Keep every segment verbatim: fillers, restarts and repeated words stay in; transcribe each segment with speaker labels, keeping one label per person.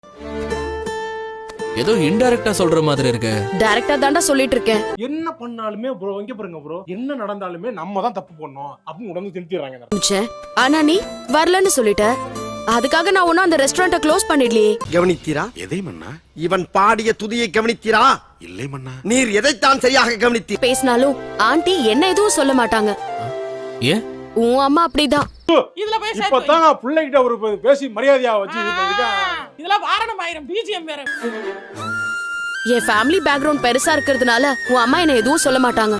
Speaker 1: ஏதோ இன்டைரக்டா சொல்ற மாதிரி இருக்கு.
Speaker 2: டைரக்டா தாண்டா சொல்லிட்டு இருக்கேன்.
Speaker 3: என்ன பண்ணாலுமே ப்ரோ இங்க பாருங்க ப்ரோ, என்ன நடந்தாலுமே நம்ம தான் தப்பு பண்ணோம் அப்படின்னு உடனே திருத்திடுறாங்க.
Speaker 2: ஆனா நீ வரலன்னு சொல்லிட்ட, அதுக்காக நான் ஒன்னும் அந்த ரெஸ்டாரண்ட க்ளோஸ் பண்ணிடலையே.
Speaker 4: கவனித்தீரா?
Speaker 5: எதை மன்னா?
Speaker 4: இவன் பாடிய துதியை கவனித்தீரா?
Speaker 5: இல்லை மன்னா.
Speaker 4: நீர் எதைத்தான் சரியாக கவனித்தீர்?
Speaker 2: பேசினாலும் ஆண்டி என்ன எதுவும் சொல்ல மாட்டாங்க.
Speaker 1: ஏன்?
Speaker 2: உன் அம்மா அப்படிதான்.
Speaker 6: இதுல போய்
Speaker 3: இப்பதான் நான் பிள்ளைகிட்ட ஒரு பேசி மரியாதையா வச்சு
Speaker 6: இதெல்லாம் வாரணம் ஆயிரம் பிஜிஎம் வேற.
Speaker 2: என் ஃபேமிலி பேக்ரவுண்ட் பெருசா இருக்கிறதுனால உன் அம்மா என்ன எதுவும் சொல்ல மாட்டாங்க.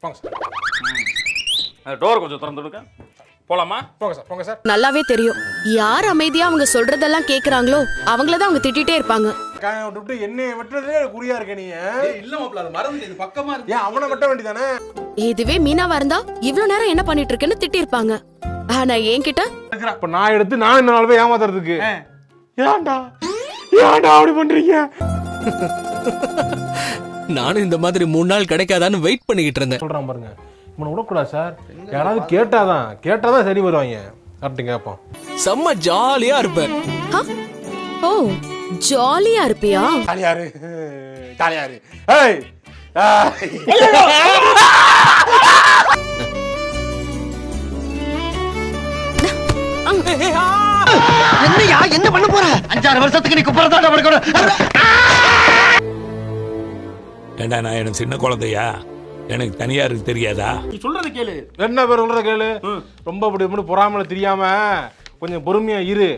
Speaker 7: டோர் கொஞ்சம் திறந்து விடுங்க. போலாமா?
Speaker 3: போங்க சார், போங்க சார்.
Speaker 2: நல்லாவே தெரியும் யார் அமைதியா அவங்க சொல்றதெல்லாம் கேக்குறாங்களோ அவங்களதான் அவங்க திட்டிட்டே இருப்பாங்க.
Speaker 3: விட்டு என்னைய வெட்டுறதே குறியா இருக்க நீ.
Speaker 5: இல்ல மாப்ள, அது மறந்து இது பக்கமா இருக்கு.
Speaker 3: ஏன் அவனை வெட்ட வேண்டியதானே?
Speaker 2: இதுவே மீனாவா இருந்தா இவ்வளவு நேரம் என்ன பண்ணிட்டு இருக்கேன்னு திட்டி இருப்பாங்க. ஆனா என்கிட்ட
Speaker 3: இப்ப நான் எடுத்து நான் என்ன நாள் போய் ஏமாத்துறதுக்கு ஏன்டா ஏன்டா அப்படி பண்றீங்க?
Speaker 1: நானும் இந்த மாதிரி மூணு நாள் கிடைக்காதான்னு வெயிட் பண்ணிக்கிட்டு இருந்தேன்.
Speaker 3: சொல்றான் பாருங்க, இவனை விடக்கூடாது சார். யாராவது கேட்டாதான் கேட்டாதான் சரி வருவாங்க. கரெக்ட் கேட்போம்.
Speaker 1: செம்ம ஜாலியா இருப்பேன்.
Speaker 2: ஓ ஜாலியா இருப்பியா?
Speaker 3: ஜாலியாரு ஜாலியாரு. ஏய்
Speaker 4: என்னையா என்ன பண்ண போற? அஞ்சாறு வருஷத்துக்கு நீ குப்பறதாடா படுக்கணும்.
Speaker 8: ஏண்டா நான் எனக்கு சின்ன குழந்தையா, எனக்கு தனியா இருக்கு தெரியாதா?
Speaker 7: நீ சொல்றது கேளு.
Speaker 3: என்ன பேர் சொல்றத கேளு. ரொம்ப இப்படி இப்படி பொறாமல தெரியாம கொஞ்சம் பொறுமையா இரு.